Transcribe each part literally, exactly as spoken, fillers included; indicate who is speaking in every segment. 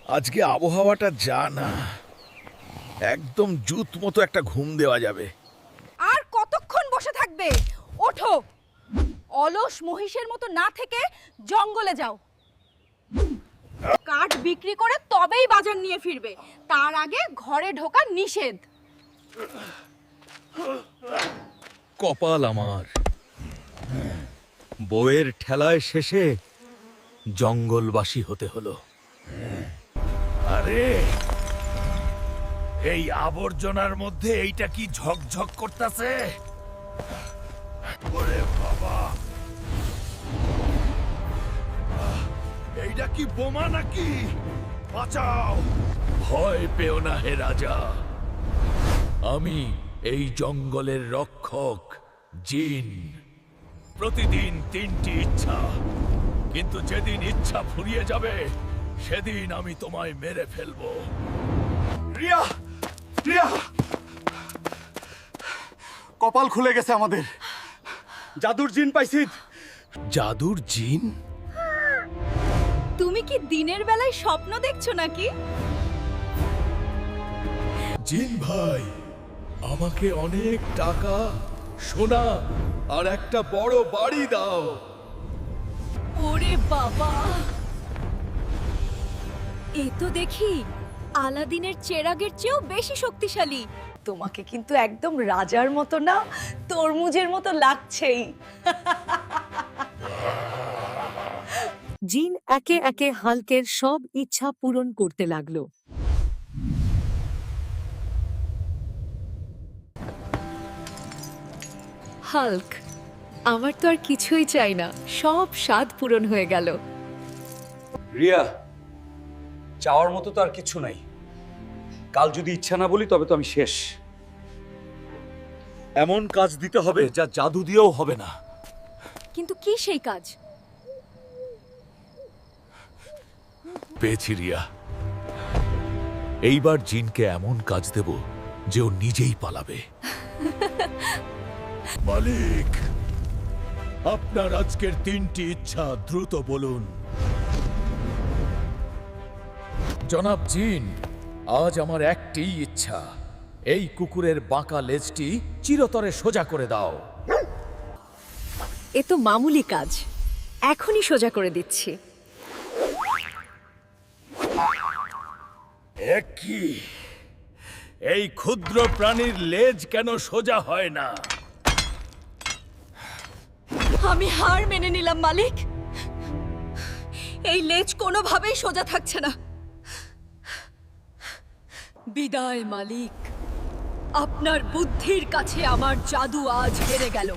Speaker 1: আজকে আবহাওয়াটা যা না, একদম জুত মতো একটা ঘুম দেওয়া যাবে।
Speaker 2: আর কতক্ষণ বসে থাকবে? ওঠো, অলস মহিষের মতো না থেকে জঙ্গলে যাও। কাঠ বিক্রি করে তবেই বাজার নিয়ে ফিরবে, তার আগে ঘরে ঢোকা নিষেধ।
Speaker 1: কপাল আমার, বউয়ের ঠেলায় শেষে জঙ্গলবাসী হতে হলো। আরে এই আবর্জনার মধ্যে এইটা কি ঝকঝক করতেছে? ওরে বাবা, এইটা কি বোমা নাকি? বাঁচাও! ভয় পেও না হে রাজা, আমি এই জঙ্গলের রক্ষক জিন। প্রতিদিন তিনটি ইচ্ছা, কিন্তু যেদিন ইচ্ছা ফুরিয়ে যাবে সেদিন আমি তোমায় মেরে ফেলবো।
Speaker 3: রিয়া, রিয়া, কপাল খুলে গেছে আমাদের। জাদুর জিন পাইছি।
Speaker 1: জাদুর জিন?
Speaker 2: তুমি কি দিনের বেলায় স্বপ্ন দেখছো নাকি?
Speaker 1: জিন ভাই, আমাকে অনেক টাকা, সোনা আর একটা বড় বাড়ি দাও।
Speaker 2: ওরে বাবা, এ তো দেখি আলাদিনের চেরাগের চেয়েও বেশি শক্তিশালী। তোমাকে কিন্তু একদম রাজার মতো না, তরমুজের মতো লাগছেই।
Speaker 4: জিন একে একে হাল্কের সব ইচ্ছা পূরণ করতে লাগলো। হাল্ক, আমার তো আর কিছুই চাই না, সব স্বাদ পূরণ হয়ে গেল।
Speaker 3: রিয়া, চাওয়ার মতো তো আর কিছু নাই। কাল যদি ইচ্ছা না বলি তবে তো আমি শেষ। এমন কাজ দিতে হবে যা জাদু দিয়েও হবে না।
Speaker 2: কিন্তু কি সেই কাজ?
Speaker 1: পেয়েছি রিয়া, এইবার জিনকে এমন কাজ দেব যে ও নিজেই পালাবে। মালিক, আপনার আজকের তিনটি ইচ্ছা দ্রুত বলুন। জনাব জিন, আজ আমার একটি ইচ্ছা, এই কুকুরের বাঁকা লেজটি চিরতরে সোজা করে দাও।
Speaker 4: এ তো মামুলি কাজ, এখনই সোজা করে দিচ্ছি।
Speaker 1: এ কি? এই ক্ষুদ্র প্রাণীর লেজ কেন সোজা হয় না?
Speaker 2: আমি হার মেনে নিলাম মালিক, এই লেজ কোনোভাবেই সোজা থাকছে না। বিদায় মালিক, আপনার বুদ্ধির কাছে আমার জাদু আজ হেরে গেল।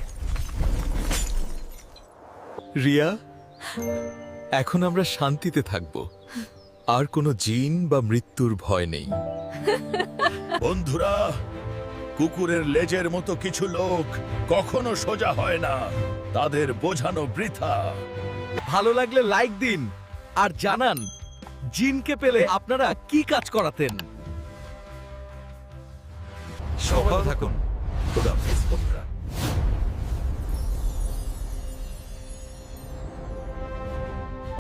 Speaker 1: রিয়া, এখন আমরা শান্তিতে থাকব, আর কোনো জিন বা মৃত্যুর ভয় নেই। বন্ধুরা, কুকুরের লেজের মতো কিছু লোক কখনো সোজা হয় না, তাদের বোঝানো বৃথা।
Speaker 5: ভালো লাগলে লাইক দিন আর জানান জিনকে পেলে আপনারা কি কাজ করাতেন।
Speaker 1: সবাই থাকুন। খোদা হাফেজ বন্ধুরা।